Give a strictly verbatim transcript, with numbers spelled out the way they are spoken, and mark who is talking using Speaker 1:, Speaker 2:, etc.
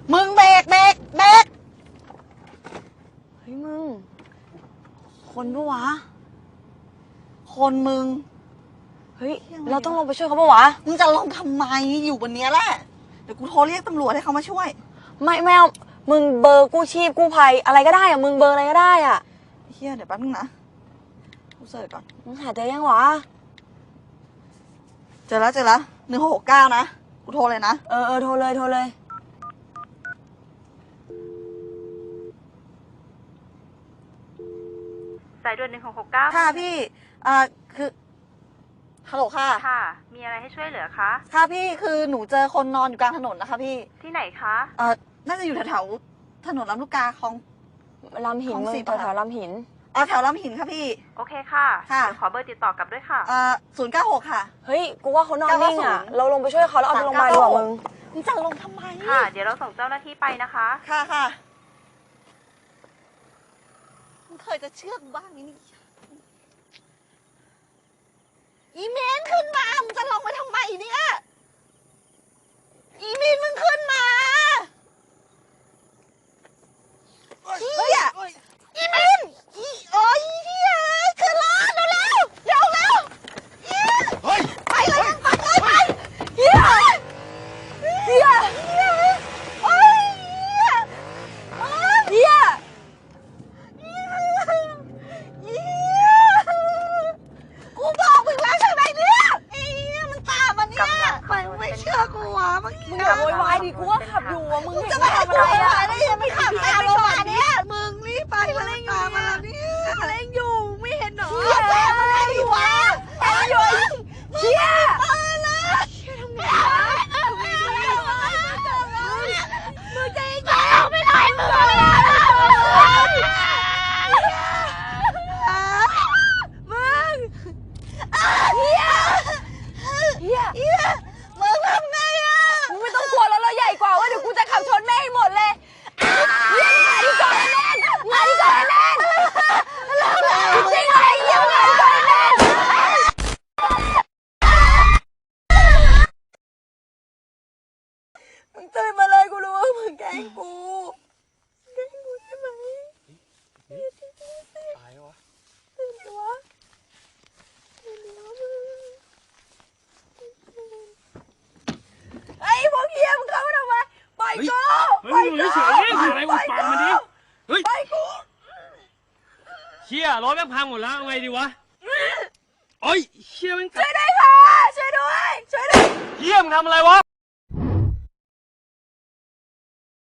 Speaker 1: มึงเบรกเบรกเบรกเฮ้ยมึงคนปะวะคนมึงเฮ้ยเราต้องลงไปช่วยเขาปะวะมึงจะลงทำไมอยู่บนเนี้ยแหละเดี๋ยวกูโทรเรียกตำรวจให้เขามาช่วยไม่ไม่เอามึงเบอร์กู้ชีพกู้ภัยอะไรก็ได้อะมึงเบอร์อะไรก็ได้อะเฮียเดี๋ยวแป๊บนึงนะกูเสิร์ชก่อนมึงหาเจอยังวะเจอแล้วเจอแล้วหนึ่งหกหกเก้านะกูโทรเลยนะเออเออโทรเลยโทรเลย
Speaker 2: สายด่วนหนึ่งหกหกเก้า
Speaker 1: ค่ะพี่อ่าคือฮัลโหลค่ะ
Speaker 2: ค่ะมีอะไรให้ช่วยเหลือคะ
Speaker 1: ค่ะพี่คือหนูเจอคนนอนอยู่กลางถนนนะคะพี่
Speaker 2: ที่ไหนคะ
Speaker 1: เอ่อน่าจะอยู่แถวๆถนนลำลูกกาคลอง
Speaker 3: ลำหินแถวแถวลำหิน
Speaker 1: อ๋อแถวลำหินค่ะพี่
Speaker 2: โอเคค่ะ
Speaker 1: ค่ะ
Speaker 2: เดี๋ยวขอเบอร์ติดต่อกลับด้วยค่ะ
Speaker 1: เอ่อศูนย์เก้าหกค่ะ
Speaker 3: เฮ้ยกูว่าเขานอนนิ่งอ่ะเราลงไปช่วยเขาแล้วเอาไปโรงพยาบาลดีกว่ามึง
Speaker 1: มึงจะลงทำไม
Speaker 2: ค่ะเดี๋ยวเราส่งเจ้าหน้าที่ไปนะคะ
Speaker 1: ค่ะค่ะมึงเคยจะเชื่อกูบ้างนี่อีเมนขึ้นมามึงจะลงไปทำไมเนี่ยอีเมนมึงขึ้นมาเฮียอีเมนอีโอ้ยเฮียขึ้นรถเร็วเร็วเร็วเร็วเฮ้ยไปเลยไปเลยไปเฮียเฮียเฮียโอ้ยเฮียเฮียเฮียกูบอกมึงแล้วใช่ไหมเนี่ยไอ้เฮียมันตามมันเนี่ยไปไม่เชื่อกูวะเมื่อกี้
Speaker 3: มึงอย่าโวยวายดิกูว่าขับอยู่อ่ะมึง
Speaker 1: จะมาทำอะไรอ่ะได้ยังไม่ขับตามเรามาเนี่ยมึงรีบไปมาเล่นตามมาเนี่ยเล่นอยู่ไม่เห็นหรอเชี่ยแซมมาเล่นอยู่วะแซมอยู่เชี่ยเออนะเชี่ยทำไงทำไงดีมึงจะยิงเราไม่ได้มึงมึงเฮียเฮียเฮียมึงทำไงอ่ะ
Speaker 3: มึงไม่ต้องกลัวแล้วเราใหญ่กว่าว่าเดี๋ยวกูจะขับชนแม่ให้หมดเลยเฮียมาดิก่อนแน่นมาดิก่อนแน่นจริงเลยเฮียมาดิก่อนแน่น
Speaker 1: มึงตื่นมาเลยกูรู้ว่ามึงแกล้งกูแกล้งกูใช่ไหม
Speaker 4: ตายวะ
Speaker 1: ตื่นตัวตื่นตัวมึงไอ้พวกเฮียมึงเข้ามาทำไมปล่อยกู
Speaker 4: เฮ้ยมึงเฉยๆทำอะไรกูฟังมันดิเฮ้ย
Speaker 1: ปล่อยกู
Speaker 4: เชี่ยรถแม่งพังหมดแล้วเอาไงดีวะโอ้ยเชี่ยแม่ง
Speaker 1: ช่วยด้วยค่ะช่วยด้วยช่วยด้วย
Speaker 4: เชี่ยมึงทำอะไรวะ